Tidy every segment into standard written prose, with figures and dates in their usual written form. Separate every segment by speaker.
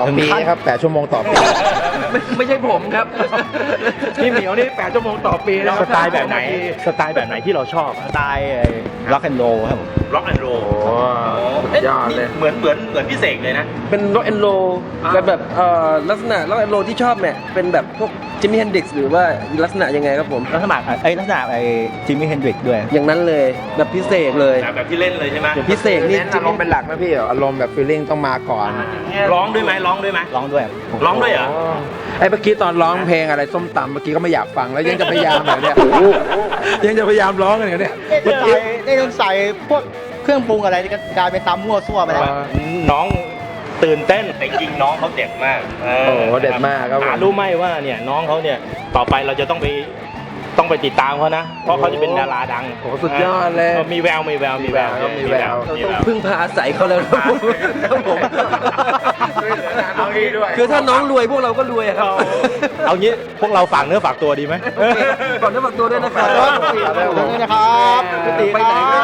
Speaker 1: อปีครับ8 ชั่วโมงต่อปี
Speaker 2: ไม่ใช่ผมครับพี่เหมียวนี่8 ชั่วโมงต่อปีนะ
Speaker 3: สไตล์แบบไหนสไตล์แบบไหนที่เราชอบ
Speaker 1: สไตล์ร็อกแอนด์โรลครับผม
Speaker 3: ร็อกแอนด์โร
Speaker 2: ยอดเลย
Speaker 3: เหมือนพี่เสกเลยนะ
Speaker 2: เป็นร็อกแอนด์โรแต่แบบลักษณะร็อกแอนด์โรที่ชอบเนี่ยเป็นแบบพวกจิมมี่เฮนดริกซ์หรือว่าลักษณะยังไงครับผม
Speaker 1: ลักษณะจิมมี่เฮนดริกด้วย
Speaker 2: อย่างนั้นเลยแบบพิเศษเลย
Speaker 3: แบบที่เล่นเลยใช่ไหม
Speaker 2: อย่างพิเศษนี่
Speaker 1: อารมณ์เป็นหลักนะพี่อารมณ์แบบฟีลลิ่งต้องมาก่อน
Speaker 3: ร้องด้วยไหมร้องด้วยไหม
Speaker 1: ร้องด้วย
Speaker 3: ร้องด้วยเหรอ
Speaker 1: ไอ้เมื่อกี้ตอนร้องเพลงอะไรส้มตำเมื่อกี้ก็ไม่อยากฟังแล้วยังจะพยายามเหรอเนี่ยยังจะพยายามร้องกันเหรอเนี่ย
Speaker 4: ได้ต้องใส่พวกเครื่องปรุงอะไรก็กลายเป็นตำมั่วซั่วไปแล้ว
Speaker 3: น้องตื่นเต้นแต่จริงน้องเขาเด็ดมาก
Speaker 1: โอ้โหเด็ดมากครับผม
Speaker 3: รู้ไหมว่าเนี่ยน้องเขาเนี่ยต่อไปเราจะต้องไปติดตามเขานะเพราะเขาจะเป็นดาราดัง
Speaker 1: โอ้สุดยอดเลย
Speaker 3: มีแววมีแวว
Speaker 1: เรา
Speaker 2: ต้องพึ่งพาอาศัยเขาแล้วครับผม
Speaker 1: เอางี้ด้วย
Speaker 2: คือถ้าน้องรวยพวกเราก็รวยครับ
Speaker 3: เอางี้พวกเราฝากเนื้อฝากตัวดีไหม
Speaker 2: โอเคก่อนเนื้อฝากตัวด้วยนะครับ
Speaker 4: นี่นะครับ
Speaker 2: ไปไหนครับ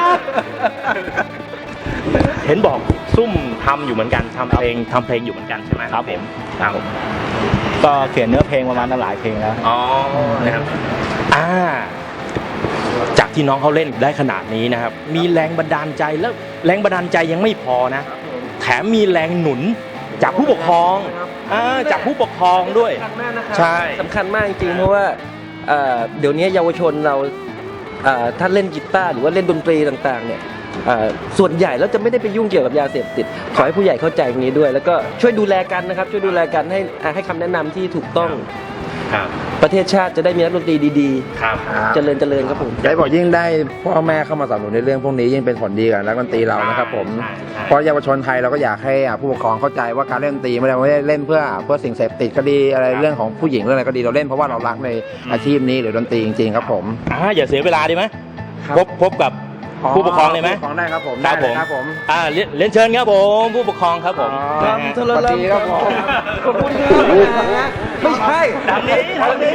Speaker 3: เห็นบอกซุ่มทำอยู่เหมือนกันทำเพลงอยู่เหมือนกันใช่ไหมครับผมครับผม
Speaker 1: ก็เขียนเนื้อเพลงประมาณหลายเพลงแล้ว
Speaker 3: อ๋อนะครับจากที่น้องเขาเล่นได้ขนาดนี้นะครับมีแรงบันดาลใจแล้วแรงบันดาลใจยังไม่พอนะแถมมีแรงหนุนจากผู้ปกครองจากผู้ปกครองด้วยใช่
Speaker 2: สำคัญมากจริงๆเพราะว่าเดี๋ยวนี้เยาวชนเราถ้าเล่นกีตาร์หรือว่าเล่นดนตรีต่างๆเนี่ยส่วนใหญ่แล้วจะไม่ได้ไปยุ่งเกี่ยวกับยาเสพติดขอให้ผู้ใหญ่เข้าใจตรงนี้ด้วย แล้วก็ช่วยดูแลกันนะครับช่วยดูแลกันให้คำแนะนำที่ถูกต้อง
Speaker 3: ครับ
Speaker 2: ประเทศชาติจะได้มีนักดนตรีดี
Speaker 3: ครับ
Speaker 2: ๆเจริญครับผม
Speaker 1: ได้บอกยิ่งได้พ่อแม่เข้ามาสนับสนุนในเรื่องพวกนี้ยิ่งเป็นผลดีกับนักดนตรีเรานะครับผม
Speaker 3: ใช่
Speaker 1: เพราะเยาวชนไทยเราก็อยากให้ผู้ปกครองเข้าใจว่าการเล่นดนตรีไม่ได้เล่นเพื่อสิ่งเสพติดก็ดีอะไรเรื่องของผู้หญิงเรื่องอะไรก็ดีเราเล่นเพราะว่าเรารักในอาชีพนี้หรือดนตรีจริงๆครับผม
Speaker 3: อย่าเสียเวลาดีไหม
Speaker 1: ครับ
Speaker 3: พบกับผู้ปกครองเลยไหม
Speaker 1: ผู้ปกครองได้ครับผม
Speaker 3: ครับผมเรียนเชิญครับผมผู้ปกครองครับผม
Speaker 1: สวัสดีครับผม
Speaker 2: ขอบคุณครับไม่ใช่
Speaker 3: ทางนี้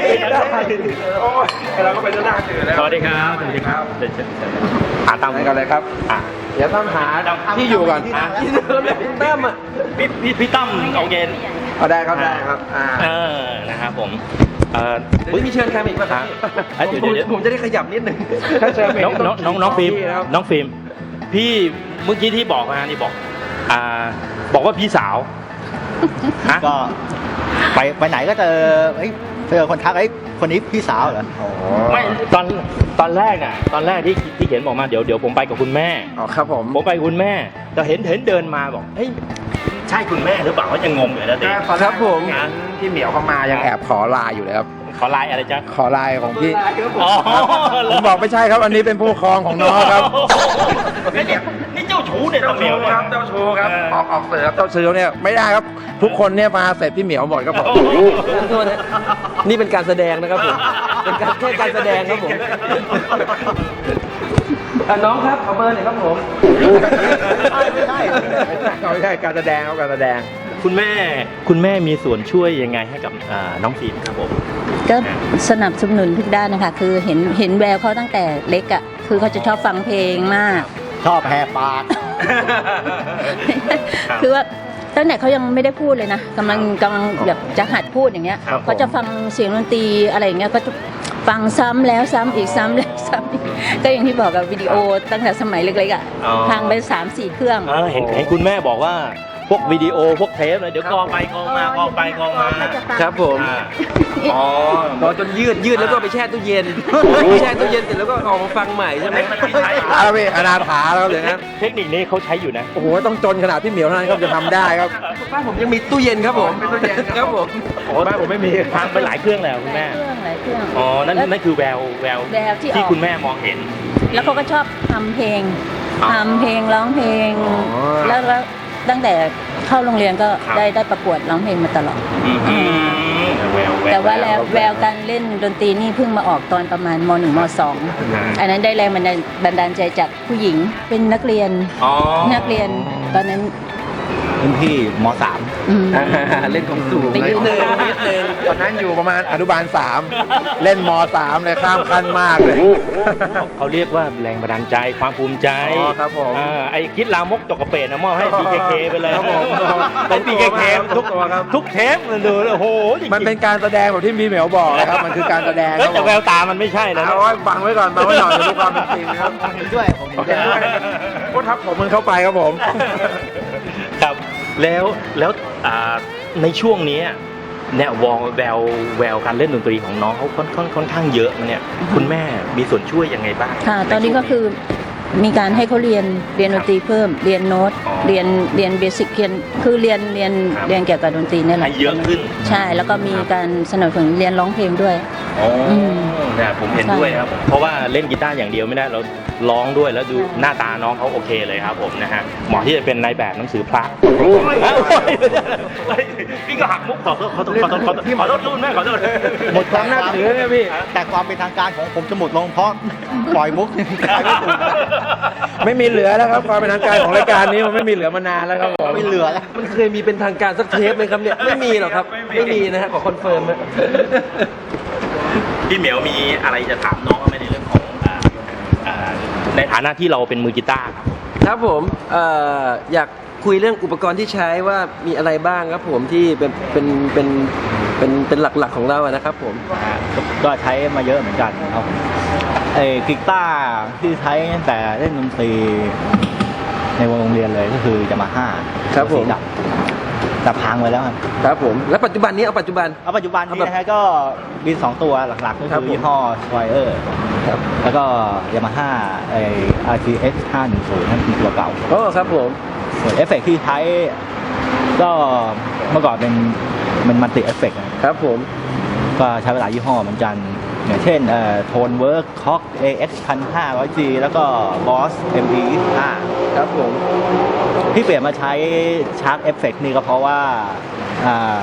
Speaker 1: เราก็ไปด้านหน้าตื่นแล้ว
Speaker 3: สวัสดีครับสวัสดีครับเชิญตาม
Speaker 1: ไปกันเลยครับเดี๋ยวต้องหาที่อยู่ก่อน
Speaker 2: ตั้มอ่ะ
Speaker 3: พี่ตั้มเอาเย็น
Speaker 1: เอาได้ครับ
Speaker 3: นะครับผม
Speaker 2: มีเชิญใครอีกป่ะครับ
Speaker 3: เดี๋ยว
Speaker 2: ผมจะได้ขยับนิดหนึ่ง
Speaker 3: น้องฟิล์มน้องฟิล์มพี่เมื่อกี้ที่บอกมานี่บอกว่าพี่สาว
Speaker 4: ก็ไปไหนก็เจอคนทักคนนี้พี่สาวเหรอ
Speaker 3: ไม่ตอนแรกน่ะตอนแรกที่เขียนบอกมาเดี๋ยวผมไปกับคุณแม่
Speaker 1: อ๋อครับผม
Speaker 3: ไปกับคุณแม่แต่เห็นเดินมาบอกเฮ้ยใช่คุณแม่หรือเปล่าว่ายังงงอยู่นะเด็ก
Speaker 1: ครับผมพี่เหมียวเข้ามายังแอบขอไลน์อยู่เลยครับ
Speaker 3: ขอไลน์อะไรจ๊ะ
Speaker 1: ขอไลน์ของพี่
Speaker 3: อ๋อ
Speaker 1: ผมบอกไม่ใช่ครับ อันนี้เป็นผู้ปกครองของน้องครับ
Speaker 3: นี่เจ้าชู้เนี่ยตะเหมียวเนี่ย
Speaker 1: เจ้าชูครับออกเสือเจ้าชูเนี่ยไม่ได้ครับ ทุกคนเนี่ยมาเสร็จพี่เหมียวหมดครับผม
Speaker 2: โทษนะนี่เป็นการแสดงนะครับผมเป็นแค่การแสดงครับผมน้องครับขอเบอร์หน่อยครับผม
Speaker 4: ไม่ใช่
Speaker 1: ไม่ใช่การแสดงครับการแสดง
Speaker 3: คุณแม่มีส่วนช่วยยังไงให้กับน้องฟิล์มครับผม
Speaker 5: ก็สนับสนุนทุกด้านนะคะคือเห็นแววเขาตั้งแต่เล็กอ่ะคือเขาจะชอบฟังเพลงมาก
Speaker 4: ชอบแหกปาก
Speaker 5: คือว่าตั้งแต่เขายังไม่ได้พูดเลยนะกำลังแบบจะหัดพูดอย่างเงี้ย
Speaker 3: ครับผม
Speaker 5: เขาจะฟังเสียงดนตรีอะไรอย่างเงี้ยก็จะฟังซ้ำแล้วซ้ำอีกซ้ำแล้วซ้ำอีกก็อย่างที่บอกกับวิดีโอตั้งแต่สมัยเล็กๆอ่ะพังไป 3-4 เครื่อง
Speaker 3: เห็นคุณแม่บอกว่าพวกวิดีโอพวกเทปเลยเดี๋ยวกองไปกองมากองไปกองมา
Speaker 2: ครับผม
Speaker 3: อ๋อ
Speaker 2: รอจนยืดแล้วก็ไปแช่ตู้เย็นแช่ตู้เย็นเสร็จแล้วก็ออกมาฟังใหม่ใช่ไหม
Speaker 1: แล้วพี่อนาถาแล้วอย่างนั้น
Speaker 3: เทคนิคนี้เขาใช้อยู่นะ
Speaker 1: โอ้โหต้องจนขนาดพี่เหมียวเท่านั้นครับจะทำได้ครับ
Speaker 2: บ้านผมยังมีตู้เย็นครับผมครับผม
Speaker 1: บ้านผมไม่มี
Speaker 3: ทางไปหลายเครื่องแล้วคุณแม่
Speaker 5: หลายเครื่อง
Speaker 3: อ๋อ นั่นคือแวว
Speaker 5: แววที่ออก
Speaker 3: ที่คุณแม่มองเห็น
Speaker 5: แล้วเขาก็ชอบทำเพลง
Speaker 3: อ๋อ
Speaker 5: ทำเพลงร้องเพลง
Speaker 1: อ๋อ
Speaker 5: แล้วตั้งแต่เข้าโรงเรียนก็
Speaker 3: ครับ
Speaker 5: ได้ประกวดร้องเพลงมาตลอด
Speaker 3: แวว
Speaker 5: แต่ว่าแววการเล่นดนตรีนี่เพิ่งมาออกตอนประมาณม.1 ม.2 อันนั้นได้แรงบันดาลใจจากผู้หญิงเป็นนักเรียน
Speaker 3: อ๋อ
Speaker 5: ตอนนั้น
Speaker 4: รุ่นพี่ม
Speaker 5: อืม
Speaker 2: เล่นของสูง
Speaker 5: ไปยืน
Speaker 2: นิดนึง
Speaker 1: ตอนนั้นอยู่ประมาณอนุบาล 3 เล่นม 3 เลยข้ามขั้นมากเลย
Speaker 3: เขาเรียกว่าแรงบันดาลใจความภูมิใจ
Speaker 1: อ๋อครับผม
Speaker 3: ไอ้คิดลามกจกกระเปดนะมอบให้ BKK ไปเลย
Speaker 1: ครับผม
Speaker 3: เป็น BKK ทุก
Speaker 1: ตัวครับ
Speaker 3: ทุกเทปมันดูโอ้โหจริงๆ
Speaker 1: มันเป็นการแสดงแบบที่มีเหมียวบอกนะครับ มันคือการแสดงค
Speaker 3: เฮ้ย
Speaker 1: รับ
Speaker 3: แต่แววตามันไม่ใช่นะ
Speaker 1: เอาไว้บังไว้ก่อนบังไว้หน่อยจะดูความเป็นจริงนะครับ
Speaker 4: ผมเห็นด้วยผมเห็น
Speaker 1: เห็น
Speaker 4: ด้
Speaker 1: ด้
Speaker 4: ว
Speaker 1: วย ยก็ทับผมมันเข้าไปครับผม
Speaker 3: ครับแล้วในช่วงนี้เนี่ยแววการเล่นดนตรีของน้องเขาค่อนข้างเยอะเนี่ยคุณแม่มีส่วนช่วยยังไงบ้าง
Speaker 5: ค่ะ ตอนนี้ก็คือมีการให้เขาเรียนดนตรีเพิ่ม เรียนโน้ต
Speaker 3: อ๋อ
Speaker 5: เรียนเบสิกเรียนเกี่ยวกับดนตรีนี่แห
Speaker 3: ให้
Speaker 5: ละ
Speaker 3: เยอะขึ้น
Speaker 5: ใช่แล้วก็มีการสนับสนุนเรียนร้องเพลงด้วย
Speaker 3: อ๋ออ
Speaker 5: ม
Speaker 3: เนี่ยผมเห็นด้วยครับ เพราะว่าเล่นกีตาร์อย่างเดียวไม่ได้เราร้องด้วยแล้วดูหน้าตาน้องเขาโอเคเลยครับผมนะฮะเหมาะที่จะเป็นนายแบบหนังสือพระพี่ก็หักมุกขอโทษรุ่นแม่ขอโทษ
Speaker 4: หมดความ
Speaker 1: น่าถือเนี่ยพี่
Speaker 4: แต่ความเป็นทางการของผมจะหมดลงเพราะปล่อยมุกขายไม่ถูก
Speaker 1: ไม่มีเหลือแล้วครับความเป็นทางการของรายการนี้มันไม่มีเหลือมานานแล้วครับผม
Speaker 4: ไม่เหลือแล้ว
Speaker 2: มันเคยมีเป็นทางการสักเทปไหมครับเนี่ยไม่มีหรอกครับไม่มีนะฮะขอคอนเฟิร์มนะ
Speaker 3: พี่เหมียวมีอะไรจะถามน้องไหมในเรื่องของในฐานะที่เราเป็นมือกีตาร์ครับ
Speaker 2: ครับผมอยากคุยเรื่องอุปกรณ์ที่ใช้ว่ามีอะไรบ้างครับผมที่เป็นหลักๆของเราอะนะครับผม
Speaker 4: ก็ใช้มาเยอะเหมือนกันครับไอ้กีตาร์ที่ใช้ตั้งแต่เล่นดนตรีในวงโรงเรียนเลยก็คือยามาฮ่า
Speaker 2: ครับผม
Speaker 4: สีดำแต่พังไปแล้วครับ
Speaker 2: ครับผมแล้วปัจจุบันนี้เอาปัจจุบัน
Speaker 4: เอาปัจจุบันนี้นะฮะก็มี2ตัวหลักๆก็
Speaker 2: ครับ
Speaker 4: คือ
Speaker 2: ผม
Speaker 4: ยี่ห้อไวเออร์
Speaker 2: ครับ
Speaker 4: แล้วก็ยามาฮ่าไอ้ RTX 510นั่นคือตัวเก่า
Speaker 2: โอ้ครับผม
Speaker 4: ส่วนเอฟเฟกต์ที่ใช้ก็เมื่อก่อนเป็นมัลติเอฟเฟกต์
Speaker 2: ครับผม
Speaker 4: ก็ใช้เวลายยี่ห้อเหมือนกัน อย่างเช่นโทนเวิร์กคอก AX 1500G แล้วก็ Boss ME 25
Speaker 2: ครับผม
Speaker 4: ที่เปลี่ยนมาใช้ชาร์จเอฟเฟกต์นี่ก็เพราะว่าอ่า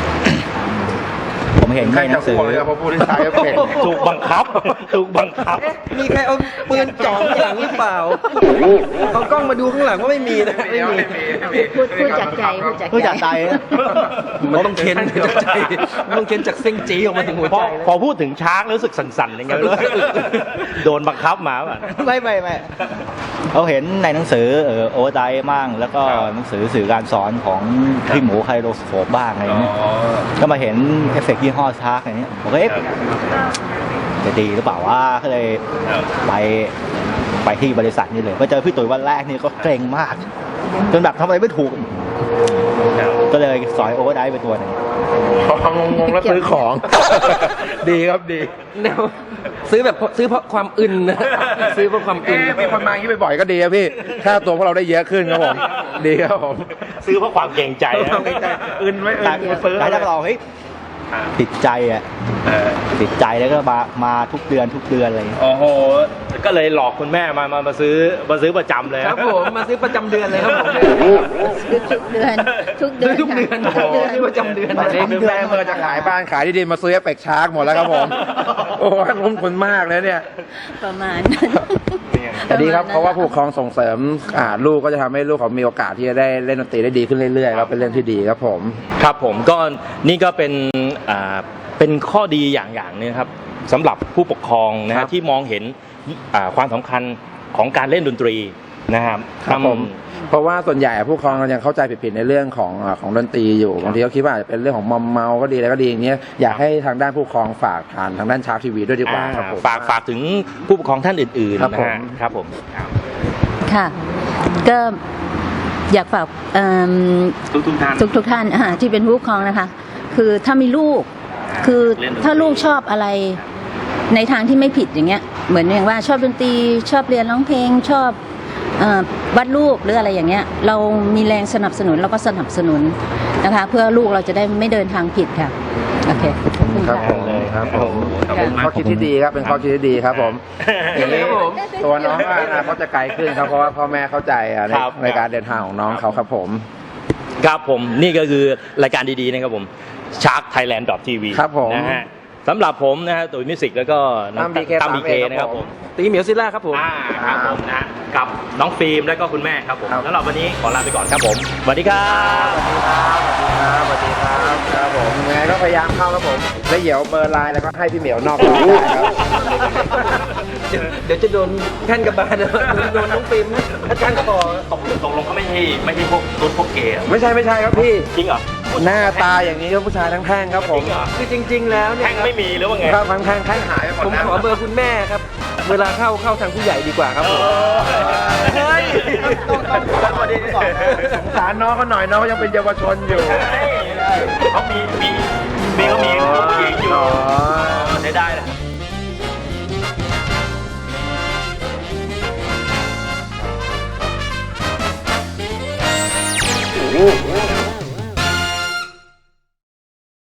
Speaker 4: ผมเห็นในหนังสือ
Speaker 1: พอพูดที่ใช้เพลง
Speaker 3: ถูกบังคับ ถูกบังคับ
Speaker 2: มีใครเอาปืนจ่อข้างหลังหรือเปล่าเอากล้องมาดูข้างหลังว่าไม่มีนะไม่มี
Speaker 5: พูดจากใจ
Speaker 4: ผู้จัดใจนะ
Speaker 2: มันต้องเค้นจากใจมันต้องเค้นจากเส้นจีออกมาถึงหัว
Speaker 3: พ
Speaker 2: ใจ
Speaker 3: อ
Speaker 2: เลย
Speaker 3: พอพูดถึงชาร์กรู้สึกสั่นๆอย่างเงี้ยโดนบังคับมาป่ะ
Speaker 4: ไม่เราเห็นในหนังสือโอเวอร์ไดมั่งแล้วก็หนังสือสื่อการสอนของพี่หมูไคโรสโคปบ้างอะไรอย่างเงี้ยก็มาเห็นเอฟเฟกต์ยี่ห้อชาร์กอะไรเงี้ยผมก็จะดีหรือเปล่าว่าก็เลยไปที่บริษัทนี่เลยไปเจอพี่ตุ๋ยวันแรกนี่ก็เกรงมาก จนแบบทำอะไรไม่ถูก ก็เลยสอยโอเวอร์ไดไปตัวหนึง
Speaker 1: พองงๆแล้วซื้อของ ดีครับดี
Speaker 2: แนวซื้อเพราะความอึนนะซื้อเพราะความอึน
Speaker 1: มีคนมาอย่างนี้บ่อยๆก็ดีครับพี่ค่าตัวพวกเราได้เยอะขึ้นครับผม ดีครับผม
Speaker 3: ซื้อเพราะความเกรงใจนะ
Speaker 1: อื่นไม่
Speaker 4: แต่
Speaker 1: ซื้อ
Speaker 4: แต่ถ้าเราเฮ้ยติดใจอ่ะติดใจแล้วก็มาทุกเดือนอะไรอย่างเงี้ย
Speaker 3: โอ้โห ก็เลยหลอกคุณแม่มาซื้อประจำเลย
Speaker 2: ครับผมมาซื้อประจำเดือนเลยครับผม
Speaker 5: ทุกเดือน
Speaker 2: ซื้อทุกเดือน
Speaker 5: ทุกเดือน
Speaker 2: ซื้อประจำเดือน
Speaker 1: ตอนนี้คือแม่เมื่อจะขายบ้านขายที่ดินมาซื้อเอฟเฟกต์ชาร์กหมดแล้วครับผม โอ้ยล้มคนมากเลยเนี่ย
Speaker 5: ประมาณนั้น
Speaker 1: แต่ดีครับเพราะว่าผู้ปกครองส่งเสริมลูกก็จะทำให้ลูกเขามีโอกาสที่จะได้เล่นดนตรีได้ดีขึ้นเรื่อยๆครับเป็นเรื่องที่ดีครับผม
Speaker 3: ครับผมก็นี่ก็เป็นข้อดีอย่างหนึงครับสำหรับผู้ปกครองนะ
Speaker 1: ครั
Speaker 3: ฮะ
Speaker 1: บ
Speaker 3: ที่มองเห็นความสำคัญของการเล่นดนตรีนะครับ
Speaker 1: ครับผมเพราะว่าส่วนใหญ่ผู้ปกครองยังเข้าใจผิดๆในเรื่องของดนตรีอยู่บางทีเขาคิดว่าอาจจะเป็นเรื่องของมอมเมาก็ดีอะไรก็ดีอย่างเงี้ยอยากให้ทางด้านผู้ปกครองฝากผ่านทางด้านชาร์กทีวีด้วยดีกว่าครับผม
Speaker 3: ฝากถึงผู้ปกครองท่านอื่น
Speaker 1: ครับ
Speaker 3: ๆนะ
Speaker 1: ผม
Speaker 3: ฮะครับผม
Speaker 5: ค่ะ ก็อยากฝาก
Speaker 3: ทุกท่าน
Speaker 5: ทุกท่านที่เป็นผู้ปกครองนะคะ คือถ้ามีลูกคือ
Speaker 3: เล่นดนตรี
Speaker 5: ถ้าลูกชอบอะไรในทางที่ไม่ผิดอย่างเงี้ยเหมือนอย่างว่าชอบดนตรีชอบเรียนร้องเพลงชอบวาดรูปหรืออะไรอย่างเงี้ยเรามีแรงสนับสนุนเราก็สนับสนุนนะคะ เพื่อลูกเราจะได้ไม่เดินทางผิดค่ะโอเคขอบคุณ
Speaker 1: ครับ
Speaker 5: ค่ะ
Speaker 1: ผมครับผมเป็นข้อคิดที่ดีครับเป็นข้อคิดที่ดีครับผมอย่างนี้ตัวน้องก็อนาคตจะไกลขึ้นครับเพราะว่าพ่อแม่เข้าใจในการเดินทางของน้องเขาครับผม
Speaker 3: ครับผมนี่ก็คือรายการดีๆนะครับผม sharkthailand.tv
Speaker 1: ครับผม
Speaker 3: นะฮะสำหรับผมนะฮะตุ๋ยมิวสิกแล้วก็น้อง
Speaker 1: ตั้ม BK
Speaker 3: ตั้ม BK นะครับผม
Speaker 2: ตีเหมียวซิลล่าครับผม
Speaker 3: ครับผมนะกับน้องฟิล์มและก็คุณแม่ครับผม
Speaker 1: ครับ
Speaker 3: แล้วเราวันนี้ขอลาไปก่อนครับผมสวัสดีครับ
Speaker 1: สวัสดีครับครับผมยังไงก็พยายามเข้าครับผมแล้วเดี๋ยวเบอร์ไลน์แล้วก็ให้พี่เหมียวนอกรอบได้ครับ
Speaker 2: เดี๋ยวจะโดนแท่นกระบาลโดนน้องฟิล์มอาจารย์คอ
Speaker 3: ตกลงเขาไม่ใช่พวกตุ๊ดพวกเกย์เหรอ
Speaker 1: ไม่ใช่ครับพี่
Speaker 3: จริงเหรอ
Speaker 1: หน้าตาอย่างนี้ก็ผู้ชายทั้งแท่งครับผม
Speaker 3: จริงเหรอ
Speaker 2: คือจริง ๆ แล้วเนี่ย
Speaker 3: แท่งไม่มีหรือว่าไง
Speaker 1: ครับทั้งแท่งหายไปหมด
Speaker 2: ผม
Speaker 1: แล้ว
Speaker 2: ขอเบอร์คุณแม่ครับ เวลาเข้าทางผู้ใหญ่ดีกว่าครับผม
Speaker 1: เฮ้ยต้องสวัสดีก่อนนะสงสารน้องเขาหน่อยน้องเขายังเป็นเยาวชนอยู่
Speaker 3: เขามีเขามีผู้หญิงอยู่
Speaker 1: อ๋อ
Speaker 3: ใช้ได้เลย